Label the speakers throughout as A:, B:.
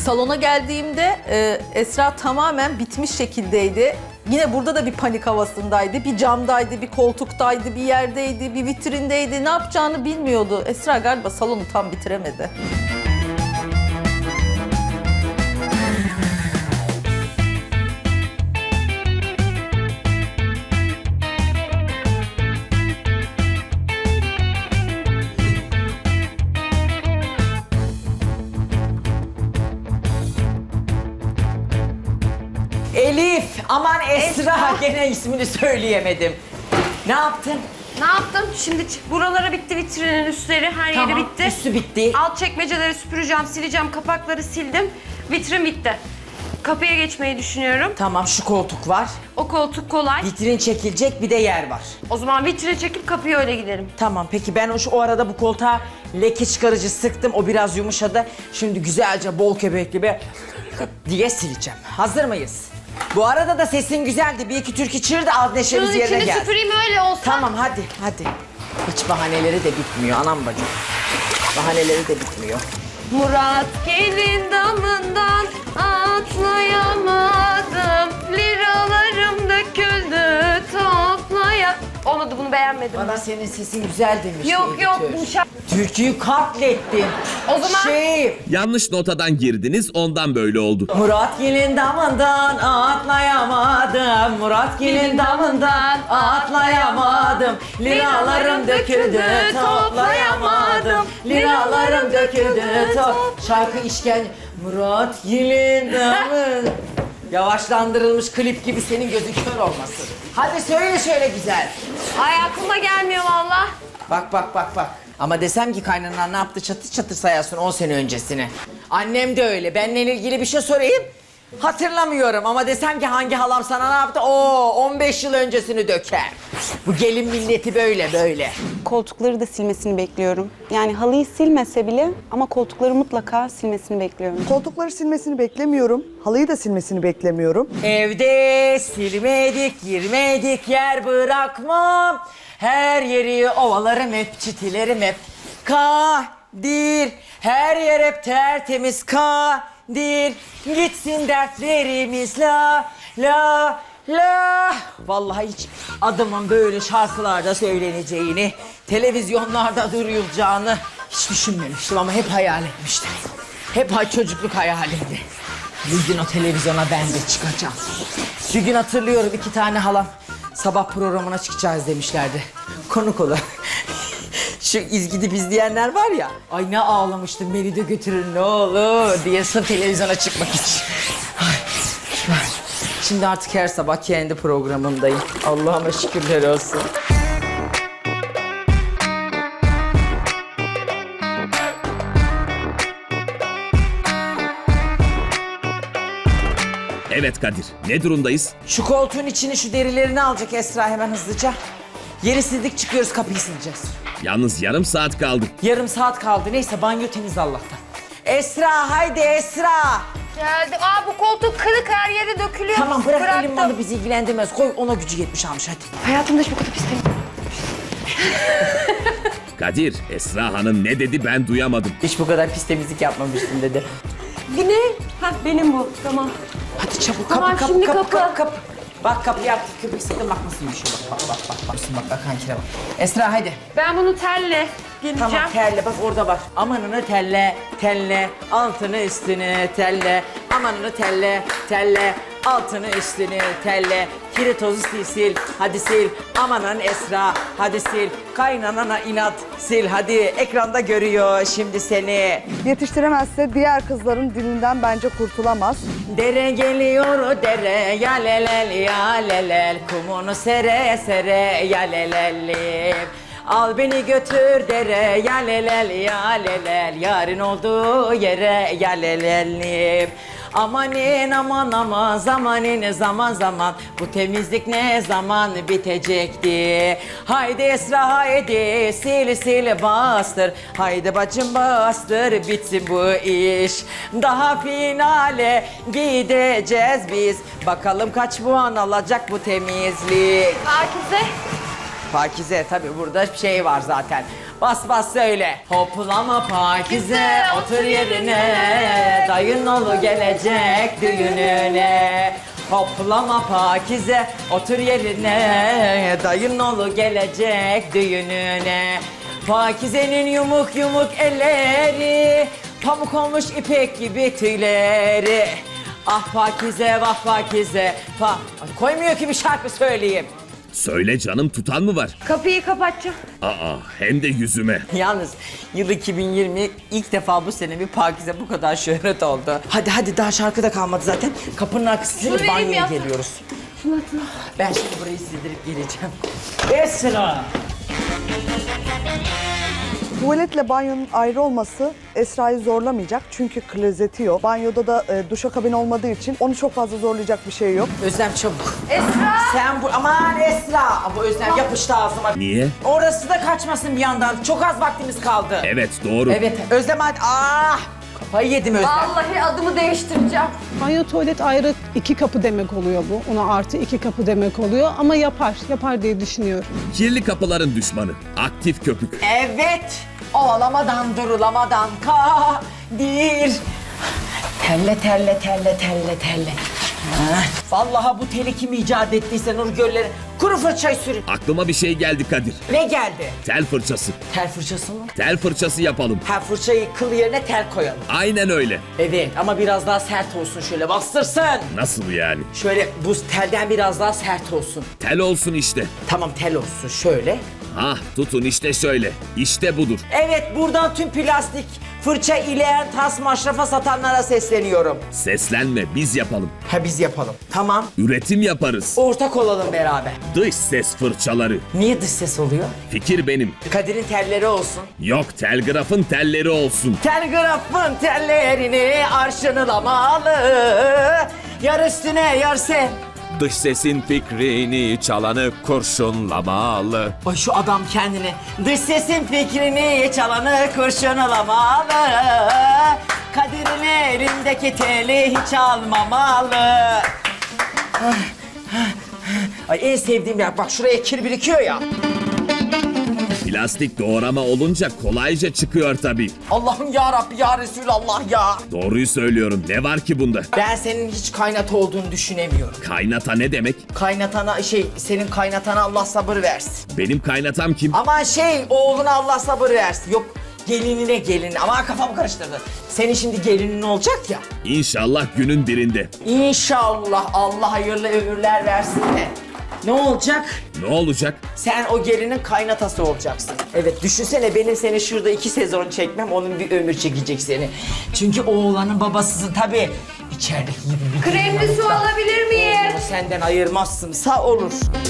A: Salona geldiğimde Esra tamamen bitmiş şekildeydi. Yine burada da bir panik havasındaydı. Bir camdaydı, bir koltuktaydı, bir yerdeydi, bir vitrindeydi. Ne yapacağını bilmiyordu. Esra galiba salonu tam bitiremedi.
B: Elif, aman Esra, gene ismini söyleyemedim. Ne yaptın?
C: Ne yaptım? Şimdi buralara bitti, vitrinin üstleri, her yeri
B: Tamam,
C: bitti.
B: üstü bitti.
C: Alt çekmeceleri süpüreceğim, sileceğim, kapakları sildim. Vitrin bitti. Kapıya geçmeyi düşünüyorum.
B: Tamam, şu koltuk var.
C: O koltuk kolay.
B: Vitrin çekilecek, bir de yer var.
C: O zaman vitrini çekip kapıya öyle giderim.
B: Tamam, peki ben o arada bu koltuğa leke çıkarıcı sıktım. O biraz yumuşadı. Şimdi güzelce bol köpekli bir diye sileceğim. Hazır mıyız? Bu arada da sesin güzeldi. Bir iki türkü çığır da az neşemiz
C: Şunun
B: yerine
C: içini
B: geldi.
C: süpüreyim öyle olsa.
B: Tamam, hadi. Hiç bahaneleri de bitmiyor anam bacım. Bahaneleri de bitmiyor.
C: Murat gelin damından atlayamadım. Liralarım döküldü toplaya... Olmadı, bunu beğenmedim.
B: Bana senin sesin güzel demişti
C: Yok yok,
B: editör.
C: bu şarkı...
B: Türküyü katlettin.
C: O zaman-
D: Yanlış notadan girdiniz, ondan böyle oldu.
B: Murat gelin damından atlayamadım. Murat gelin damından atlayamadım. Liralarım döküldü toplayamadım. Liralarım döküldü Şarkı işkence. Murat gelin damından. Yavaşlandırılmış klip gibi, senin gözün kör olmasın. Hadi söyle şöyle güzel.
C: Ay aklıma gelmiyor valla.
B: Bak. Ama desem ki kaynanan ne yaptı, çatır çatır sayarsın 10 sene öncesini. Annem de öyle. Benimle ilgili bir şey sorayım. Hatırlamıyorum ama desem ki hangi halam sana ne yaptı? 15 yıl öncesini döker. Bu gelin milleti böyle.
E: Koltukları da silmesini bekliyorum. Yani halıyı silmese bile ama koltukları mutlaka silmesini bekliyorum.
F: Koltukları silmesini beklemiyorum. Halıyı da silmesini beklemiyorum.
B: Evde silmedik, girmedik, yer bırakmam. Her yeri ovalarım hep, çitilerim hep. Kadir, her yer hep tertemiz Kadir. Gitsin dertlerimiz la. Vallahi hiç adımın böyle şarkılarda söyleneceğini, televizyonlarda duyulacağını hiç düşünmemiştim ama hep hayal etmiştim. Hep çocukluk hayalimdi. Bir gün o televizyona ben de çıkacağım. Bir gün hatırlıyorum, 2 tane halam sabah programına çıkacağız demişlerdi. Konuk olarak. Şu İzgidip izleyenler var ya, ay ne ağlamıştım, beni de götürün ne olur diye sırf televizyona çıkmak için. Şimdi artık her sabah kendi programımdayım. Allah'ıma şükürler olsun.
D: Evet Kadir, ne durumdayız?
B: Şu koltuğun içini, şu derilerini alacak Esra hemen hızlıca. Yeri sildik, çıkıyoruz, kapıyı sileceğiz.
D: Yalnız yarım saat kaldı.
B: Yarım saat kaldı. Neyse, banyo temiz Allah'tan. Esra, haydi Esra.
C: Geldi. Bu koltuk kırık, her yere dökülüyor.
B: Tamam, bırak
C: Bıraktım.
B: elim malı, bizi ilgilendirmez. Koy, ona gücü yetmiş almış hadi.
C: Hayatımda hiç bu kadar pis değil.
D: Kadir, Esra Hanım ne dedi ben duyamadım.
B: Hiç bu kadar pis temizlik yapmamıştım dedi.
C: Bu ne? Benim bu. Tamam.
B: Hadi çabuk,
C: Tamam, şimdi kapı.
B: Bak kapıyı yaptık, köpek sakın bak nasıl düşüyor. Bak. Bak kankine bak. Esra haydi.
C: Ben bunu telle geleceğim.
B: Tamam, terle, bak orada var. Amanını telle, altını üstünü telle. Amanını telle, altını üstünü telle. Kiri tozu sil, hadi sil. Amanın Esra, hadi sil. Kaynanana inat, sil hadi. Ekranda görüyor şimdi seni.
F: Yetiştiremezse diğer kızların dilinden bence kurtulamaz.
B: Dere geliyor dere, ya lelel ya lelel. Kumunu sere ya lelelim. Al beni götür dere, ya lelel ya lelel. Yarın olduğu yere ya lelelim. Amanin aman zamanin zaman bu temizlik ne zaman bitecekti? Haydi Esra haydi sil bastır, haydi bacım bastır bitsin bu iş. Daha finale gideceğiz biz, bakalım kaç puan alacak bu temizlik.
C: Pakize.
B: Pakize tabii, burada şey var zaten. Bas bas söyle. Hoplama Pakize otur yerine. Dayın oğlu gelecek düğününe. Hoplama Pakize otur yerine. Dayın oğlu gelecek düğününe. Pakize'nin yumuk yumuk elleri, pamuk olmuş ipek gibi tüyleri. Ah Pakize vah Pakize. Koymuyor ki bir şarkı söyleyeyim.
D: Söyle canım, tutan mı var?
C: Kapıyı kapatacağım.
D: Aa, hem de yüzüme.
B: Yalnız yıl 2020 ilk defa bu sene bir Pakize bu kadar şöhret oldu. Hadi daha şarkı da kalmadı zaten. Kapının arkasında
C: Şuraya
B: banyoya
C: yap.
B: geliyoruz. Ben şimdi burayı sildirip geleceğim. Esra!
F: Tuvaletle banyonun ayrı olması Esra'yı zorlamayacak çünkü klozeti yok. Banyoda da duşakabin olmadığı için onu çok fazla zorlayacak bir şey yok.
B: Özlem çabuk.
C: Esra!
B: Sen bu... Aman Esra! Bu Özlem yapıştı ağzıma.
D: Niye?
B: Orası da kaçmasın bir yandan. Çok az vaktimiz kaldı.
D: Evet, doğru.
B: Evet. Özlem hadi. Kafayı yedim Özlem.
C: Vallahi adımı değiştireceğim.
G: Banyo tuvalet ayrı 2 kapı demek oluyor bu. Ona artı 2 kapı demek oluyor ama yapar diye düşünüyorum.
D: Kirli kapıların düşmanı. Aktif köpük.
B: Evet. Ovalamadan durulamadan kadir. Telle. Vallahi bu teli kim icat ettiyse Nurgöl'leri kuru fırçayı sürün.
D: Aklıma bir şey geldi Kadir.
B: Ne geldi?
D: Tel fırçası.
B: Tel fırçası mı?
D: Tel fırçası yapalım.
B: Ha fırçayı kıl yerine tel koyalım.
D: Aynen öyle.
B: Evet ama biraz daha sert olsun şöyle bastırsın.
D: Nasıl yani?
B: Şöyle bu telden biraz daha sert olsun.
D: Tel olsun işte.
B: Tamam tel olsun şöyle.
D: Ah, tutun işte şöyle. İşte budur.
B: Evet buradan tüm plastik fırça ileyen tas maşrafa satanlara sesleniyorum.
D: Seslenme, biz yapalım.
B: Ha biz yapalım. Tamam.
D: Üretim yaparız.
B: Ortak olalım beraber.
D: Dış ses fırçaları.
B: Niye dış ses oluyor?
D: Fikir benim.
B: Kadir'in telleri olsun.
D: Yok, telgrafın telleri olsun.
B: Telgrafın tellerini arşınlamalı. Yar üstüne yar sen.
H: Dış sesin fikrini çalanı kurşunlamalı.
B: Ay şu adam kendini. Dış sesin fikrini çalanı kurşunlamalı. Kadir'in elindeki teli hiç almamalı. Ay en sevdiğim yer. Bak şuraya kir birikiyor ya.
D: Plastik doğrama olunca kolayca çıkıyor tabii.
B: Allah'ım ya Rabbi ya Resulallah ya.
D: Doğruyu söylüyorum. Ne var ki bunda?
B: Ben senin hiç kaynata olduğunu düşünemiyorum.
D: Kaynata ne demek?
B: Kaynatana senin kaynatana Allah sabır versin.
D: Benim kaynatam kim?
B: Aman oğluna Allah sabır versin. Yok gelinine gelin. Ama kafamı karıştırdı. Senin şimdi gelinin olacak ya.
D: İnşallah günün birinde.
B: İnşallah Allah hayırlı ömürler versin de. Ne olacak?
D: Ne olacak?
B: Sen o gelinin kaynatası olacaksın. Evet düşünsene benim seni şurada 2 sezon çekmem onun bir ömür çekecek seni. Çünkü oğlanın babasısın tabii. İçerideki gibi bir
C: Kremli su alabilir miyim?
B: Onu senden ayırmazsın. Sağ olur.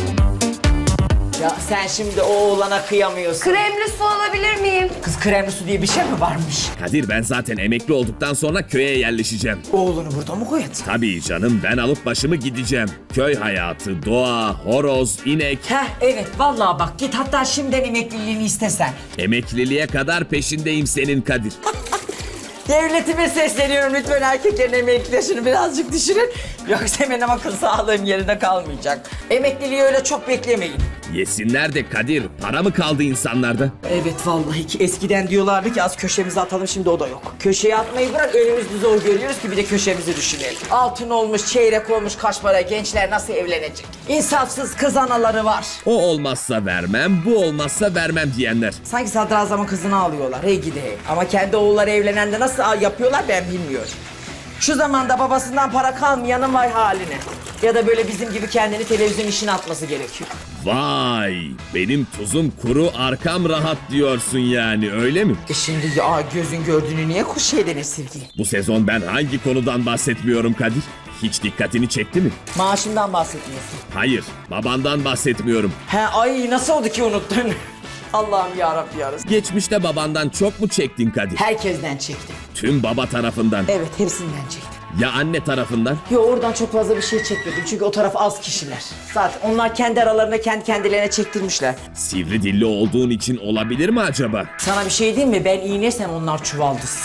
B: Ya sen şimdi o oğlana kıyamıyorsun.
C: Kremli su alabilir miyim?
B: Kız kremli su diye bir şey mi varmış?
D: Kadir, ben zaten emekli olduktan sonra köye yerleşeceğim.
B: Oğlunu burada mı koyacaksın?
D: Tabii canım, ben alıp başımı gideceğim. Köy hayatı, doğa, horoz, inek.
B: Heh evet vallahi bak git hatta şimdiden emekliliğini istesen.
D: Emekliliğe kadar peşindeyim senin Kadir.
B: Devletime sesleniyorum lütfen erkeklerin emekli yaşını birazcık düşürün. Yoksa benim akıl sağlığım yerinde kalmayacak. Emekliliği öyle çok beklemeyin.
D: Yesinler de Kadir, para mı kaldı insanlarda?
B: Evet vallahi ki eskiden diyorlardı ki az köşemize atalım şimdi o da yok. Köşeye atmayı bırak önümüzde zor görüyoruz ki bir de köşemizi düşünelim. Altın olmuş, çeyrek olmuş kaç para gençler nasıl evlenecek? İnsafsız kız anaları var.
D: O olmazsa vermem, bu olmazsa vermem diyenler.
B: Sanki sadrazamın kızını alıyorlar hey gidi hey. Ama kendi oğulları evlenende nasıl yapıyorlar ben bilmiyorum. Şu zamanda babasından para kalmayanın vay haline. Ya da böyle bizim gibi kendini televizyon işine atması gerekiyor.
D: Vay, benim tuzum kuru, arkam rahat diyorsun yani, öyle mi?
B: Şimdi ya gözün gördüğünü niye şeyden esirgeyim?
D: Bu sezon ben hangi konudan bahsetmiyorum Kadir? Hiç dikkatini çekti mi?
B: Maaşımdan bahsetmiyorsun.
D: Hayır, babandan bahsetmiyorum.
B: He ay nasıl oldu ki unuttun? Allah'ım yarabbim yarasın.
D: Geçmişte babandan çok mu çektin Kadir?
B: Herkesten çektim.
D: Tüm baba tarafından.
B: Evet hepsinden çektim.
D: Ya anne tarafından?
B: Yo oradan çok fazla bir şey çekmedim çünkü o taraf az kişiler. Zaten onlar kendi aralarında kendi kendilerine çektirmişler.
D: Sivri dilli olduğun için olabilir mi acaba?
B: Sana bir şey diyeyim mi? Ben iğne sen onlar çuvaldız.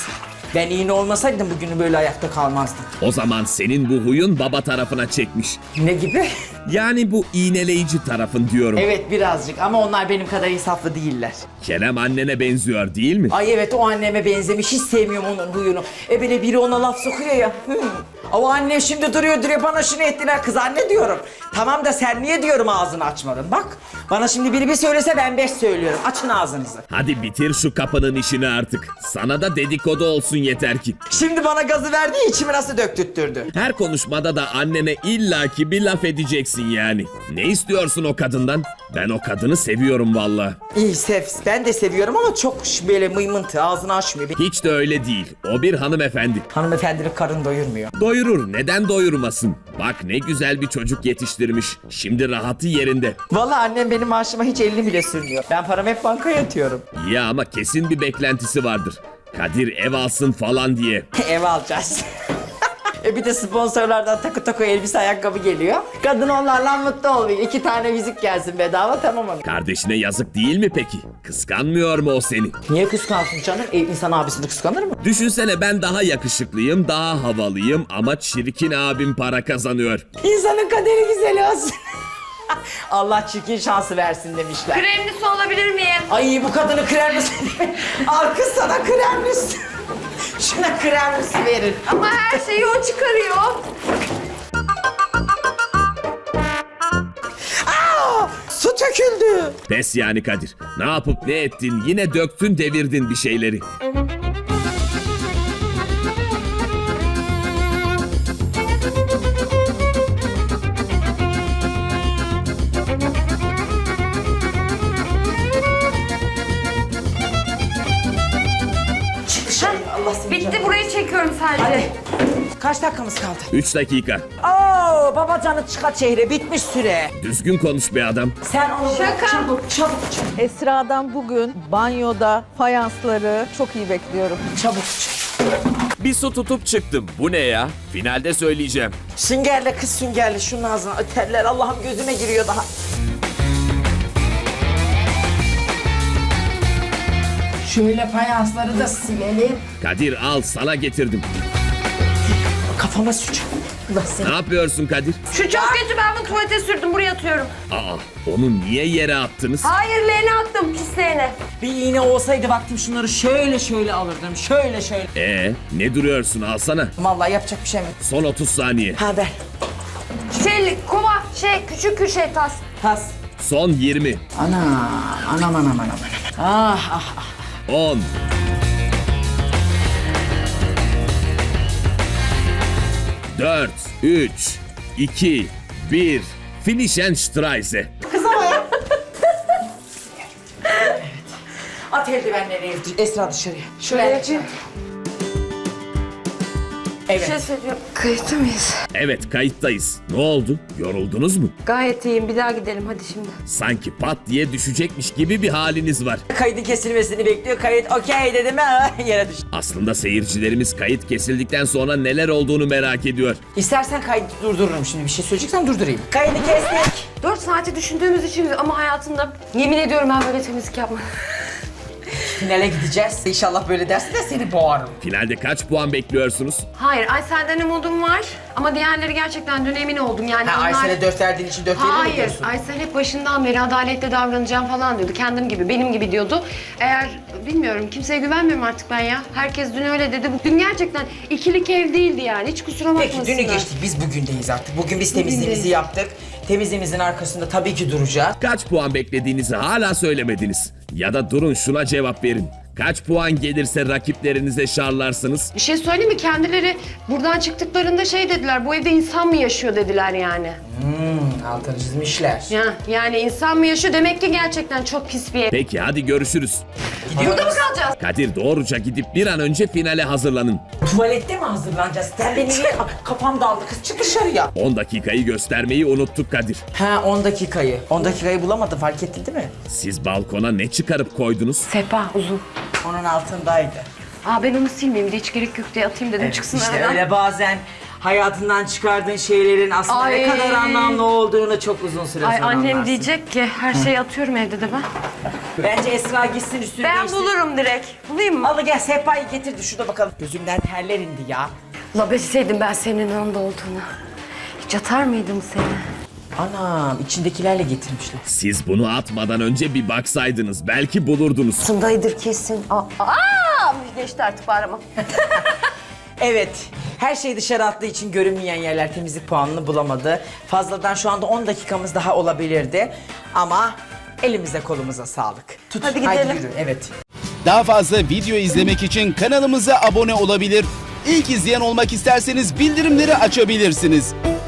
B: Ben iğne olmasaydım bugünü böyle ayakta kalmazdım.
D: O zaman senin bu huyun baba tarafına çekmiş.
B: Ne gibi?
D: Yani bu iğneleyici tarafın diyorum.
B: Evet birazcık ama onlar benim kadar insaflı değiller.
D: Kerem annene benziyor değil mi?
B: Ay evet o anneme benzemiş, hiç sevmiyorum onun huyunu. Böyle biri ona laf sokuyor ya. O annem şimdi duruyor bana şunu ettiler kız anne diyorum. Tamam da sen niye diyorum ağzını açmadın bak. Bana şimdi biri bir söylese ben 5 söylüyorum. Açın ağzınızı.
D: Hadi bitir şu kapının işini artık. Sana da dedikodu olsun yeter ki.
B: Şimdi bana gazı verdiği içimi nasıl döktürttürdü.
D: Her konuşmada da annene illaki bir laf edeceksin yani. Ne istiyorsun o kadından? Ben o kadını seviyorum valla.
B: İyi sev, ben de seviyorum ama çok böyle mıymıntı ağzını açmıyor.
D: Hiç de öyle değil. O bir hanımefendi.
B: Hanımefendinin karın doyurmuyor.
D: Doyurur, neden doyurmasın? Bak ne güzel bir çocuk yetiştirmiş. Şimdi rahatı yerinde.
B: Vallahi annem benim maaşıma hiç elini bile sürmüyor. Ben paramı hep bankaya yatıyorum.
D: Ya ama kesin bir beklentisi vardır. Kadir ev alsın falan diye.
B: Ev alacağız. Bir de sponsorlardan takı elbise ayakkabı geliyor. Kadın onlarla mutlu oluyor. 2 tane yüzük gelsin bedava tamam mı?
D: Kardeşine yazık değil mi peki? Kıskanmıyor mu o seni?
B: Niye kıskansın canım? İnsan abisini kıskanır mı?
D: Düşünsene ben daha yakışıklıyım, daha havalıyım ama çirkin abim para kazanıyor.
B: İnsanın kaderi güzel olsun. Allah çirkin şansı versin demişler.
C: Kremlisi olabilir miyim?
B: Ay bu kadını kremlisi. Al kız sana kremlisi. Şuna kremlisi verin.
C: Ama her şeyi o çıkarıyor.
B: Su töküldü.
D: Pes yani Kadir. Ne yapıp ne ettin yine döktün devirdin bir şeyleri.
B: Çık dışarı. Allah seni
C: Bitti
B: canım.
C: burayı çekiyorum sadece.
B: Hadi. Kaç dakikamız kaldı?
D: 3 dakika.
B: Oo babacanı çıkart şehre bitmiş süre.
D: Düzgün konuş be adam.
B: Sen onu
C: Şaka.
B: çabuk.
A: Esra'dan bugün banyoda fayansları çok iyi bekliyorum.
B: Çabuk.
H: Bir su tutup çıktım. Bu ne ya? Finalde söyleyeceğim.
B: Süngerle kız süngerle şunun ağzına öterler. Allah'ım gözüme giriyor daha. Şöyle fayansları da silelim.
D: Kadir al sana getirdim.
B: Kafama süç. Allah seni.
D: Ne yapıyorsun Kadir?
C: Şu çok kötü, ben bunu tuvalete sürdüm, buraya atıyorum.
D: Aa, onu niye yere attınız?
C: Hayır, leğene attım, pis leğene.
B: Bir iğne olsaydı vaktim şunları şöyle alırdım. Şöyle.
D: Ne duruyorsun alsana.
B: Vallahi yapacak bir şey mi?
D: Son 30 saniye.
B: Ha ver.
C: Kova, küçük tas.
B: Pas.
D: Son 20.
B: Anam. Ah.
D: 10. 4, 3, 2, 1. Finish and Streise.
B: At eldivenleri Esra dışarıya. Şuraya açayım.
C: Bir
B: Evet.
C: şey söyleyeceğim. Kayıtta mıyız?
D: Evet kayıttayız. Ne oldu? Yoruldunuz mu?
C: Gayet iyiyim, bir daha gidelim hadi şimdi.
D: Sanki pat diye düşecekmiş gibi bir haliniz var.
B: Kaydın kesilmesini bekliyor. Kayıt okey dedim yere düştü.
D: Aslında seyircilerimiz kayıt kesildikten sonra neler olduğunu merak ediyor.
B: İstersen kaydı durdururum şimdi. Bir şey söyleyeceksen durdurayım. Kaydı kestik.
C: 4 saati düşündüğümüz için ama hayatımda yemin ediyorum ben böyle temizlik yapmadım.
B: Finale gideceğiz. İnşallah böyle dersin de seni boğarım.
D: Finalde kaç puan bekliyorsunuz?
C: Hayır, Aysel'den umudum var ama diğerleri gerçekten dün emin oldum yani
B: Ha
C: onlar...
B: Aysel'e 4 verdiğin için 4 verir mi
C: Hayır,
B: diyorsun?
C: Aysel hep başından beri adaletli davranacağım falan diyordu. Kendim gibi, benim gibi diyordu. Eğer, bilmiyorum, kimseye güvenmiyorum artık ben ya. Herkes dün öyle dedi. Dün gerçekten ikilik ev değildi yani. Hiç kusura bakmasınlar.
B: Peki dünü geçtik. Biz bugündeyiz artık. Bugün biz temizliğimizi
C: Bugündeyiz.
B: yaptık. Temizliğimizin arkasında tabii ki duracağız.
D: Kaç puan beklediğinizi hala söylemediniz. Ya da durun şuna cevap verin. Kaç puan gelirse rakiplerinize şarlarsınız?
C: Bir şey söyleyeyim mi? Kendileri buradan çıktıklarında şey dediler, bu evde insan mı yaşıyor dediler yani.
B: Altını çizmişler.
C: Yani insan mı yaşıyor? Demek ki gerçekten çok pis bir ev.
D: Peki hadi görüşürüz.
C: Burada mı kalacağız?
D: Kadir doğruca gidip bir an önce finale hazırlanın.
B: Tuvalette mi hazırlanacağız? Sen beni niye... Kafam daldı kız çık dışarıya.
D: 10 dakikayı göstermeyi unuttuk Kadir.
B: Ha 10 dakikayı. 10 dakikayı bulamadım fark ettin değil mi?
D: Siz balkona ne çıkarıp koydunuz?
C: Sehpa uzun.
B: Onun altındaydı.
C: Ben onu silmeyeyim de hiç gerek yok diye atayım dedim çıksın
B: işte
C: aradan.
B: öyle bazen hayatından çıkardığın şeylerin aslında
C: Ay.
B: ne kadar anlamlı olduğunu çok uzun süre
C: Ay
B: sonra
C: annem
B: anlarsın.
C: diyecek ki her şeyi atıyorum evde de ben.
B: Bence Esra gitsin üstünü
C: Ben
B: değişsin.
C: bulurum direkt. Bulayım mı?
B: Al gel sehpayı getirdi şurada bakalım. Gözümden terler indi ya.
C: La bilseydim ben senin yanında olduğunu. Hiç atar mıydım seni?
B: Anam içindekilerle getirmişler.
D: Siz bunu atmadan önce bir baksaydınız belki bulurdunuz.
C: Sındaydır kesin. Geçti artık bağıramam.
B: Evet. Her şey dışarı attığı için görünmeyen yerler temizlik puanını bulamadı. Fazladan şu anda 10 dakikamız daha olabilirdi. Ama elimize kolumuza sağlık. Tut.
C: Hadi
B: Haydi
C: gidelim.
B: yürü. Evet.
I: Daha fazla video izlemek için kanalımıza abone olabilir. İlk izleyen olmak isterseniz bildirimleri açabilirsiniz.